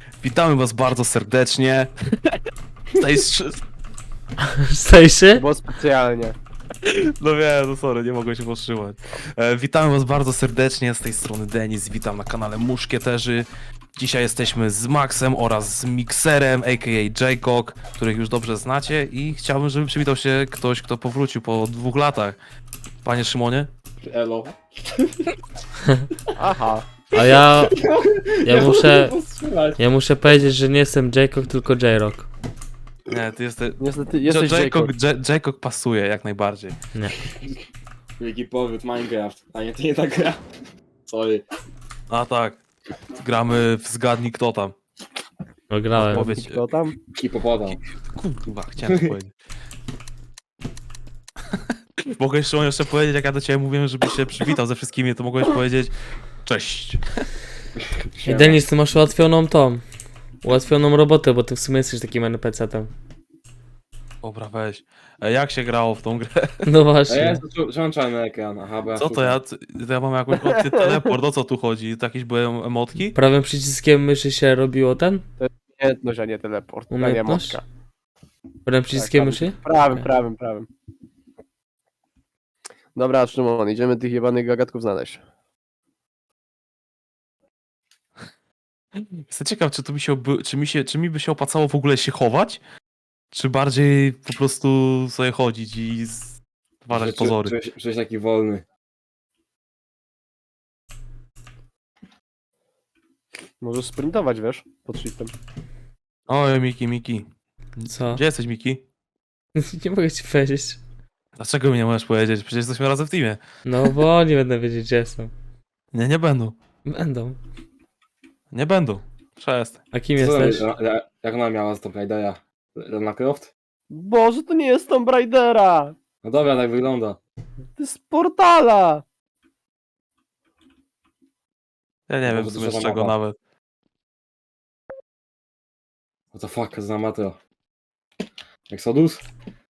Witamy was bardzo serdecznie. Tutaj Stajszy? Było specjalnie. No wiem, no sorry, nie mogłem się powstrzymać. Witamy was bardzo serdecznie, z tej strony Denis, witam na kanale Muszkieterzy. Dzisiaj jesteśmy z Maxem oraz z Mikserem, a.k.a. Jaycock, których już dobrze znacie i chciałbym, żeby przywitał się ktoś, kto powrócił po 2 latach. Panie Szymonie? Elo. Aha. A muszę... ja muszę powiedzieć, że nie jestem Jaycock, tylko J-Rock. Nie, ty jesteś... Niestety jesteś Jaycock pasuje jak najbardziej. Nie. Wielki powrót Minecraft. A nie, to nie ta gra. Sorry. A tak, gramy w Zgadnij Kto Tam. No grałem. Powiedz, Kto tam? Hipopotam. kurwa, chciałem to powiedzieć. Mogę jeszcze powiedzieć, jak ja do ciebie mówiłem, żebyś się przywitał ze wszystkimi, to mogłeś powiedzieć cześć. I Denis, ty masz ułatwioną robotę, bo ty w sumie jesteś takim NPC-tem. Dobra, weź. Jak się grało w tą grę? No A ja właśnie. jestem czarny ekran. Aha, bo ja Co to ja? To ja mam jakąś opcję teleport, o co tu chodzi? To jakieś były emotki? Prawym przyciskiem myszy się robiło ten? Umiejętność, a nie teleport. A nie Umiejętność? motka. Prawym przyciskiem Tak, myszy? Prawym, Okej. prawym. Dobra, Szymon, idziemy tych jebanych gagatków znaleźć. Jestem ciekaw, czy to mi się, czy mi by się opłacało w ogóle się chować? Czy bardziej po prostu sobie chodzić i stwarzać pozory? Czułeś taki wolny. Możesz sprintować, wiesz? Pod shiftem. Oj, Miki. Co? Gdzie jesteś, Miki? Nie mogę ci powiedzieć. Dlaczego mi nie możesz powiedzieć? Przecież jesteśmy razem w teamie. No bo nie będę wiedzieć, gdzie jestem. Nie będą. Będą. Nie będą. Przestań. A kim Co jesteś? Jak ona miała z Tomb Raidera? Lara Croft? Boże, to nie jest Tomb Raidera! No dobra, tak wygląda. To jest z Portala! Ja nie wiem w Może sumie duża z czego mapa. nawet. What the fuck, za matro. Exodus?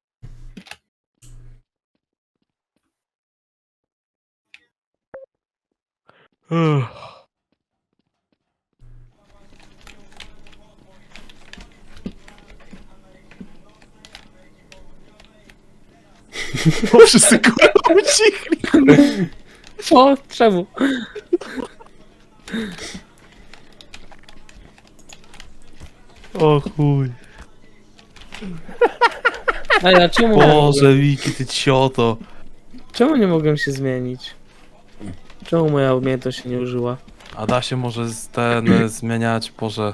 Bo wszyscy kurwa ucichli. O, czemu? O chuj. A ja czemu Boże, Miki, ty cioto. Czemu nie mogłem się zmienić? Czemu moja umiejętność się nie użyła? A da się może zmieniać, Boże...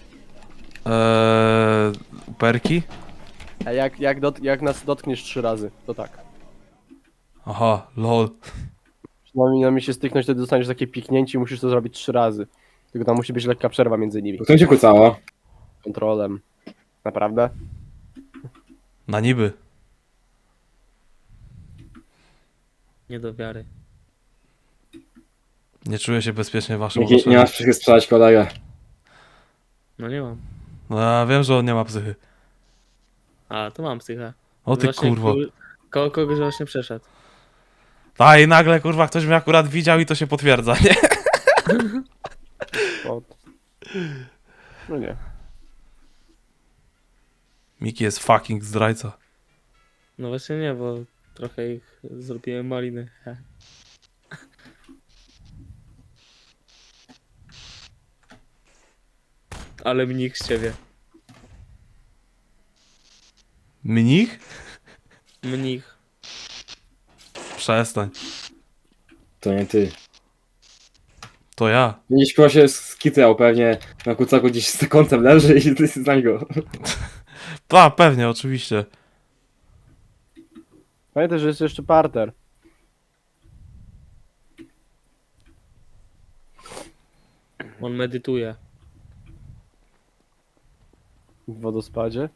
perki? A jak nas dotkniesz 3 razy, to tak. Aha, lol. Na mi się styknąć, wtedy dostaniesz takie piknięcie i musisz to zrobić 3 razy. Tylko tam musi być lekka przerwa między nimi. Kto cię kucała? Kontrolem. Naprawdę? Na niby. Nie do wiary. Nie czuję się bezpiecznie w waszym Nie otoczeniu. masz psychy sprzedać kolegę. No nie mam. No ja wiem, że on nie ma psychy. A, to mam psychę. O ty kurwo. Koło kogoś właśnie przeszedł. A i nagle kurwa ktoś mnie akurat widział i to się potwierdza, nie? O. No nie. Miki jest fucking zdrajca. No właśnie nie, bo trochę ich zrobiłem maliny. Ale mnich z ciebie. Mnich? Mnich. Przestań. To nie ty. To ja. Gdzieś chyba się skitrał pewnie. Na kucaku gdzieś z kątem leży i ty znań go. A, pewnie, oczywiście. Pamiętaj, że jest jeszcze parter. On medytuje. W wodospadzie.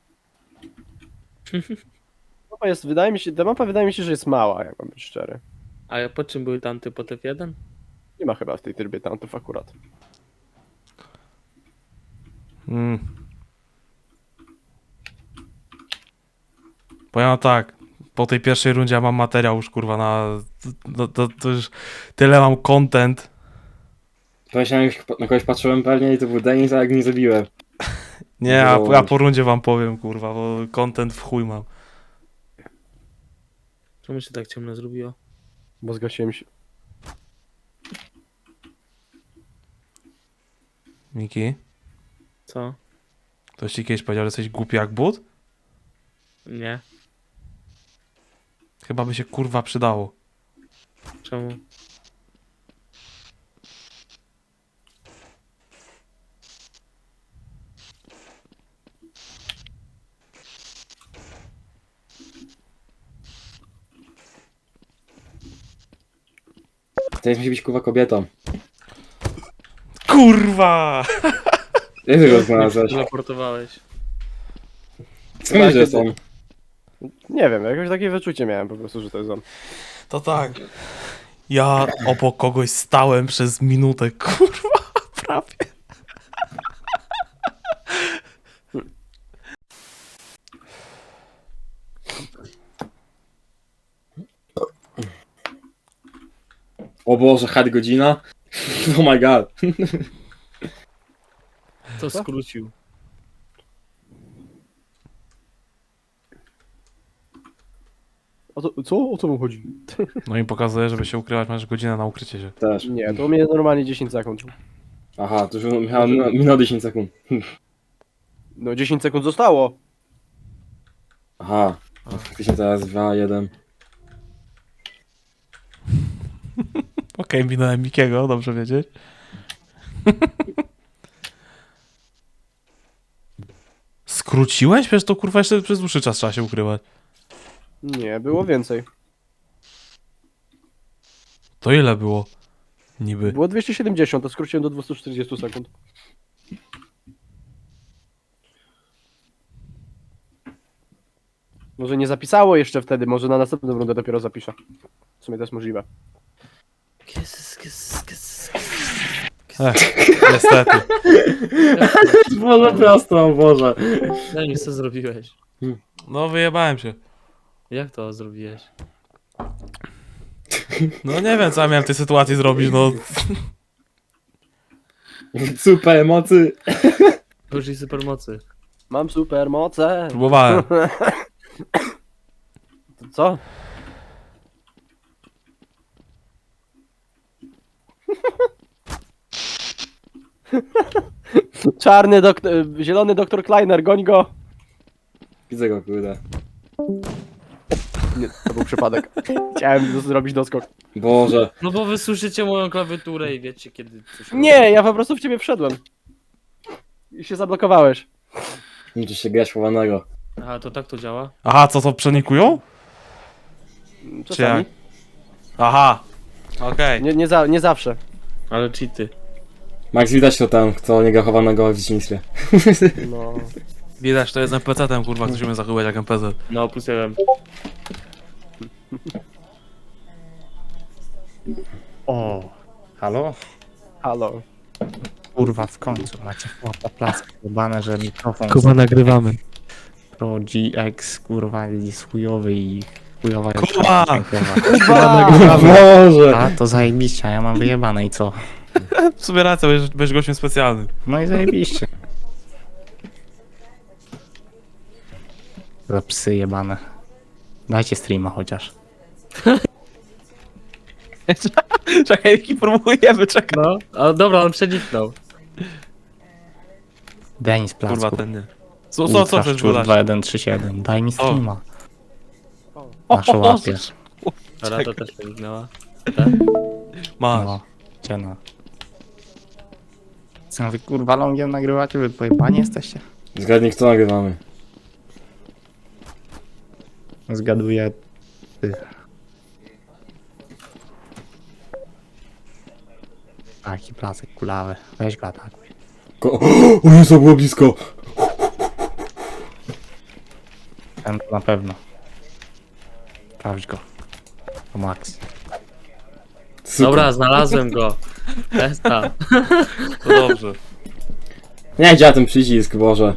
Ta mapa wydaje mi się, że jest mała, jak mam być szczery. A po czym były tamty po TF1? Nie ma chyba w tej trybie tantów akurat. Mm. Powiem wam tak. Po tej pierwszej rundzie ja mam materiał już kurwa na... To już tyle mam content. Właśnie na kogoś patrzyłem pewnie i to był Denis, a jak nie zabiłem. Nie, ja Bo- po rundzie wam powiem, kurwa, bo content w chuj mam. Czemu się tak ciemno zrobiło? Bo zgasiłem się. Miki, Co? ktoś ci kiedyś powiedział, że jesteś głupi jak but? Nie. Chyba by się kurwa przydało. Czemu? Denis musi być kurwa kobietą. Kurwa! Jak ty go znalazłeś? Teleportowałeś. Skąd wiesz, że są? Nie wiem, jakoś takie wyczucie miałem po prostu, że to jest on. To tak. Ja obok kogoś stałem przez minutę, kurwa, prawie. O Boże, had godzina? Oh my god. To skrócił. O co mu chodzi? No i pokazuje, żeby się ukrywać, masz godzinę na ukrycie się. Też. Nie, to u mnie normalnie 10 sekund. Aha, to już miałem minął 10 sekund. No 10 sekund zostało. Aha. Faktycznie teraz 2, 1. Okej, minąłem Mikiego, dobrze wiedzieć. Skróciłeś? Przecież to kurwa jeszcze przez dłuższy czas trzeba się ukrywać. Nie, było więcej. To ile było? Niby. Było 270, to skróciłem do 240 sekund. Może nie zapisało jeszcze wtedy, może na następną rundę dopiero zapiszę. W sumie to jest możliwe. Niestety. Boże prosto, o Boże. Denis, co zrobiłeś? No wyjebałem się. Jak to zrobiłeś? No nie wiem, co ja miałem w tej sytuacji zrobić, no. Super emocy. Użyj supermocy. Mam super moce. Próbowałem. To co? Czarny doktor, zielony doktor Kleiner, goń go. Widzę go, kurde. Nie, to był przypadek. Chciałem zrobić doskok. Boże. No bo wy słyszycie moją klawiaturę i wiecie kiedy coś Nie, ja po prostu w ciebie wszedłem. I się zablokowałeś. Liczy się grać chowanego. Aha, to tak to działa? Aha, co to przenikują? Czasami. jak? Aha. Okej. Nie zawsze. Ale cheaty. Max, widać to tam, kto nie gra chowanego w dzieciństwie. No. Widać, to jest NPC-tem, kurwa, ktoś umie zachowywać jak NPC. No, plus jeden. O, halo? Halo. Kurwa, w końcu macie chłopa placki jebane, że mikrofon Kuba, nagrywamy. Pro GX, kurwa, jest chujowy i chujowa Kuba! dźwiękowa. Boże! A, to zajebiście, a ja mam wyjebane i co? W sumie racja, będziesz gościem specjalnym. No i zajebiście. Za psy jebane. Dajcie streama chociaż. Czekaj, jaki próbujemy, czekaj. No, a dobra, on przeniknął. Denis Kurwa, Placku. ten nie. Co chcesz Szczur wydać? 2137, daj mi streama. O, Nasze łapie. Rada też przeniknęła. Masz. No, cieno. Co wy kurwa longiem nagrywacie? Wy pojebani jesteście? Zgadnij, kto nagrywamy. Zgaduję. Ty. Taki placek kulawy. Weź go atakuj. O Jezu, było blisko! Ten to na pewno. Sprawdź go. To Max. Super. Dobra, znalazłem go. Testa. To dobrze. Nie działa ten przycisk, Boże.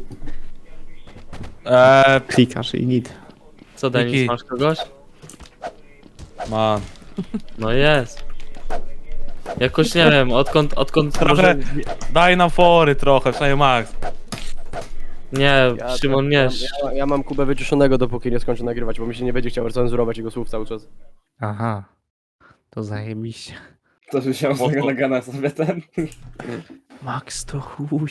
Klikasz i git. Co, Denis, Miki. masz kogoś? Man. No jest. Jakoś nie wiem, odkąd Trochę, może... daj nam fory trochę, przynajmniej Max. Nie, Szymon, nie. Ja mam Kubę wyciszonego, dopóki nie skończę nagrywać, bo mi się nie będzie chciał cenzurować jego słów cały czas. Aha. To zajebiście. To, że się z Mocno. tego nagana sobie ten. Max to chuj.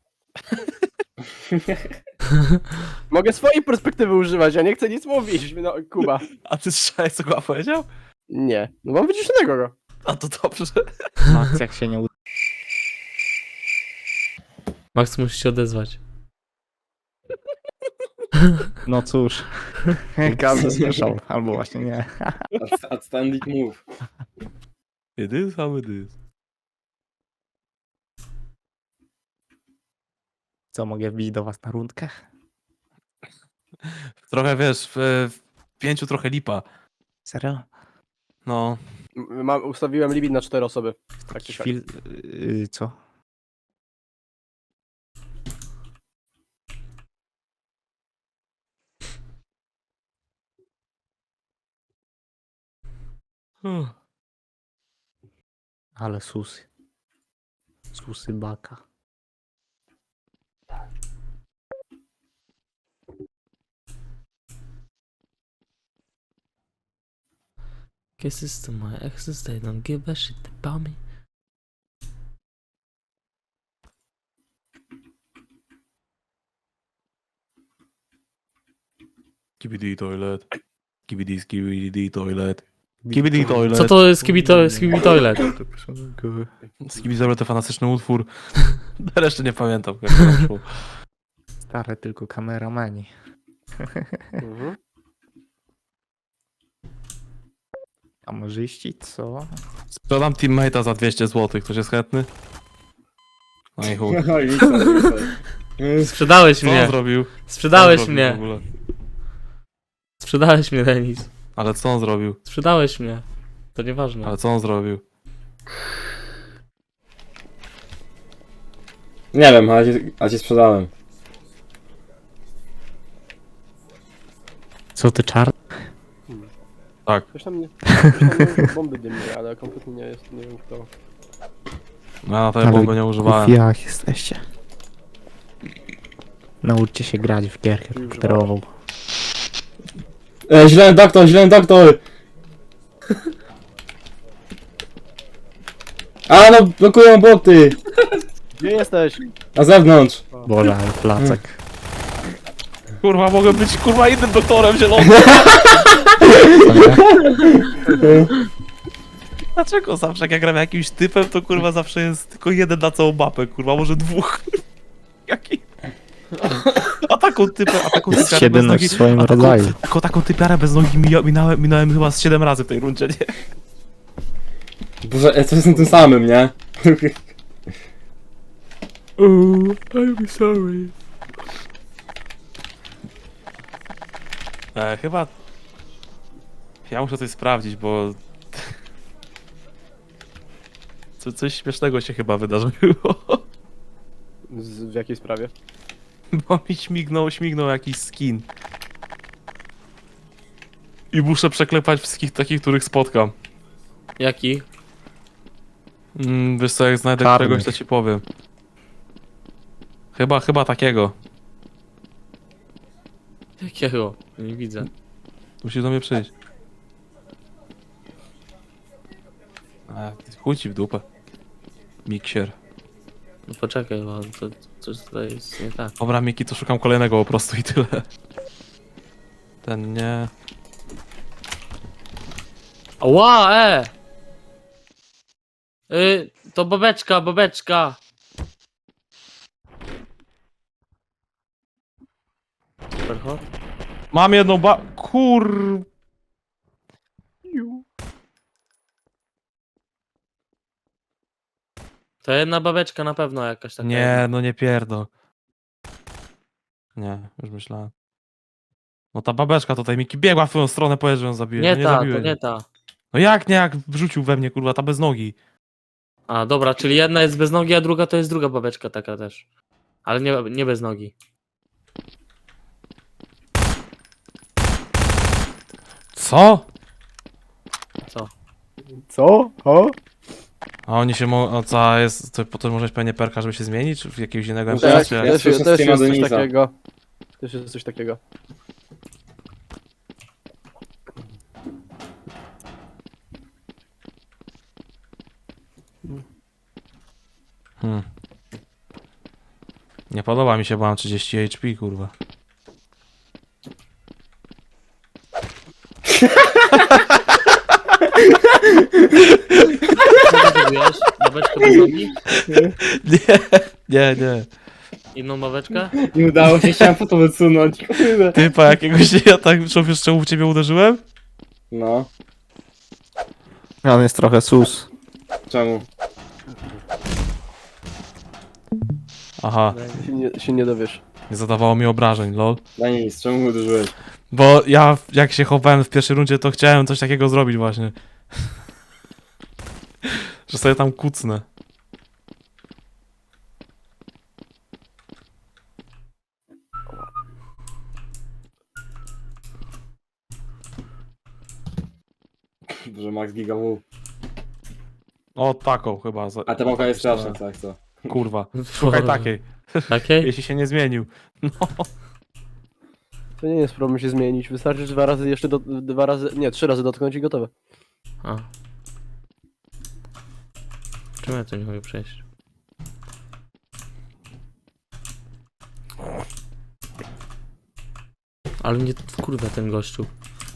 Mogę swojej perspektywy używać, ja nie chcę nic mówić, no Kuba. A ty słyszałeś, co Kuba powiedział? Nie, no mam wyciszonego go. A to dobrze. Max jak się nie uda. Max musi się odezwać. No cóż. Każdy słyszał. Albo właśnie nie. Outstanding move. It is how it is. Co, mogę wbić do was na rundkę? Trochę wiesz, w 5 trochę lipa. Serio? No, Ustawiłem limit na 4 osoby. Tak czy siak. Co? Ale susy. Susy baka. Kisses to my exes, they don't give a shit about me. skibidi toilet. Skibidi toilet. Skibidi toilet. Co to jest Skibi Toilet? Skibidi toilet to fantastyczny utwór. Reszty nie pamiętam. Jak to szło. Stare tylko kameramani. Mhm. Kamerzyści, co? Sprzedam teammate'a za 200 zł. Ktoś jest chętny? No i chuj. No i co? Sprzedałeś Co on mnie. zrobił? Co on Sprzedałeś zrobił w mnie. ogóle? Sprzedałeś mnie, Denis. Ale co on zrobił? Sprzedałeś mnie. To nieważne. Ale co on zrobił? Nie wiem, a cię sprzedałem. Co ty czarny? Tak. Ktoś tam nie użył bomby dymnej, ale kompletnie nie jest, nie wiem kto. No, ja na tej bomby nie używałem. Jak jesteście? Nauczcie się grać w gierkę komputerową. Zielony doktor, zielony doktor! A no, blokują boty! Gdzie jesteś? Na zewnątrz! Boże, ale placek. Kurwa, mogę być kurwa innym doktorem zielonym. Dlaczego zawsze jak ja gram jakimś typem, to kurwa zawsze jest tylko jeden na całą mapę, kurwa, może dwóch. Jaki? A taką Jest typiarę bez jedyny nogi, w swoim a rodzaju. taką typiarę bez nogi minąłem chyba z 7 razy w tej rundzie, nie? Boże, ja coś jestem tym samym, nie? I'm sorry. Chyba... Ja muszę coś sprawdzić, bo... Coś śmiesznego się chyba wydarzyło. W jakiej sprawie? Bo mi śmignął jakiś skin. I muszę przeklepać wszystkich takich, których spotkam. Jaki? Wiesz co, jak znajdę Czarnych. któregoś, to ci powiem. Chyba takiego. Jakiego? Nie widzę. Musisz do mnie przyjść. Chuj ci w dupę. Miksier. No poczekaj, bo to coś tutaj jest nie tak. Dobra, Miki, to szukam kolejnego po prostu i tyle. Ten nie... Ła, to babeczka. Superhot? Mam jedną To jedna babeczka na pewno jakaś taka. Nie, no nie pierdol. Nie, już myślałem. No ta babeczka tutaj, Miki, biegła w twoją stronę, powiedz, że ją zabiję. Nie No ta, to zabiłeś. nie ta. No jak nie, jak wrzucił we mnie, kurwa, ta bez nogi. A, dobra, czyli jedna jest bez nogi, a druga to jest druga babeczka taka też. Ale nie bez nogi. Co? Co? Co? O? A oni się mogą, co jest, to potem możesz pewnie perka, żeby się zmienić w jakiegoś innego No MPS, tak, czy ja jak? Też słyszę jest z Tima coś Denisa. takiego. Też jest coś takiego. Nie podoba mi się, bo mam 30 HP, kurwa. Co ty wiesz? Babeczkę bez nogi? Nie. Inną babeczkę? Nie udało się, chciałem foto wysunąć, kurde. Typa jakiegoś, ja tak wiesz czemu w ciebie uderzyłem? No, On jest trochę sus. czemu? Aha, Się nie dowiesz. nie zadawało mi obrażeń, lol. Denis, czemu mnie uderzyłeś? Bo ja, jak się chowałem w pierwszej rundzie, to chciałem coś takiego zrobić właśnie. Że sobie tam kucnę. Że Max Giga W. O, taką chyba. A ta małka jest straszna, tak co? Kurwa, szukaj takiej, Takiej? jeśli się nie zmienił. No. To nie jest problem się zmienić. Wystarczy 2 razy jeszcze 2 razy. Nie, 3 razy dotknąć i gotowe. A. Czemu ja to nie mogę przejść? Ale mnie kurwa ten gościu.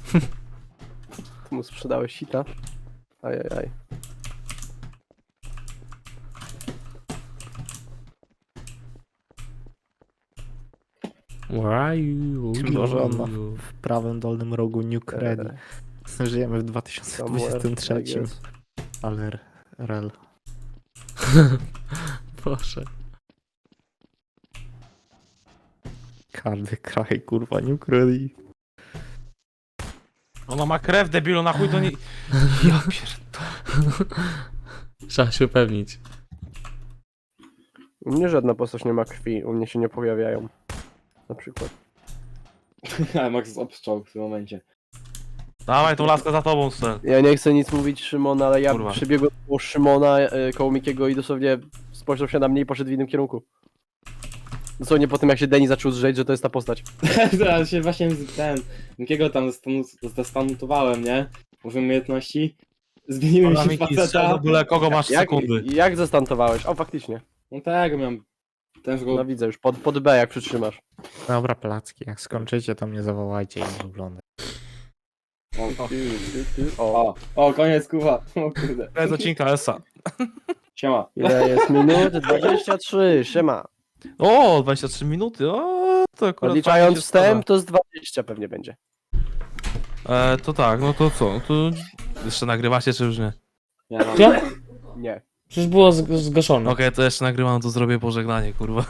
Ty mu sprzedałeś sita. Ajajaj. Where are you? Może on ma w prawym dolnym rogu Nuke Ready. Żyjemy w Somewhere, 2023. I guess. Ale rel. Proszę. Każdy kraj, kurwa, Nuke Ready. Ona ma krew, debilu, na chuj to nie... Ja pierdolę. Trzeba się upewnić. U mnie żadna postać nie ma krwi, u mnie się nie pojawiają. Na przykład. Ale Max jest obstrzał w tym momencie. Dawaj tą laskę za tobą, Stel. Ja nie chcę nic mówić Szymon, ale ja Kurwa. przybiegłem koło Szymona, koło Mikiego i dosłownie spojrzał się na mnie i poszedł w innym kierunku. Dosłownie po tym jak się Denis zaczął zrzeć, że to jest ta postać. Zaraz się właśnie jakiego tam zastanutowałem, nie? Użyłem umiejętności. Zmieniłem Dobra, się Miki, faceta. strzel w ogóle, kogo masz Jak, sekundy? jak zastantowałeś? O, faktycznie. No tak, miałem ten go... No widzę już, pod B jak przytrzymasz. Dobra, placki, jak skończycie, to mnie zawołajcie i oglądaj. O, O, koniec kuwa. O kurde. To jest odcinka Esa. Siema. ile jest minut? 23, siema. O, 23 minuty, o, to akurat fajnie Odliczając się wstęp, to z 20 pewnie będzie. składa. To tak, no to co? To jeszcze nagrywacie, czy już nie? Ja mam... Ja? Nie. Przecież było zgaszone. Okej, to jeszcze nagrywam, to zrobię pożegnanie, kurwa.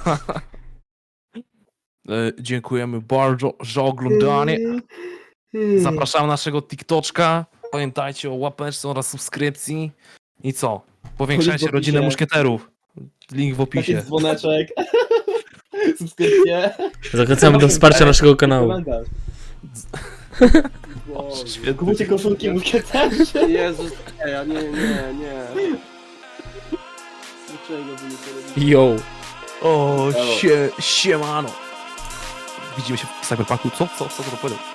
Dziękujemy bardzo za oglądanie. Zapraszam naszego TikToczka. Pamiętajcie o łapeczce oraz subskrypcji. I co? Powiększajcie Link w rodzinę opisie. muszkieterów. Link w Taki opisie. dzwoneczek. Subskrypcje. Zachęcamy do wsparcia naszego kanału. Komentarz. Świetnie. Kupujcie koszulki muszkieterzy. Jezus, nie. Dlaczego wy nie to robicie? Yo. O, siemano. Widzimy się w Cyberpunku. Co to powiedział?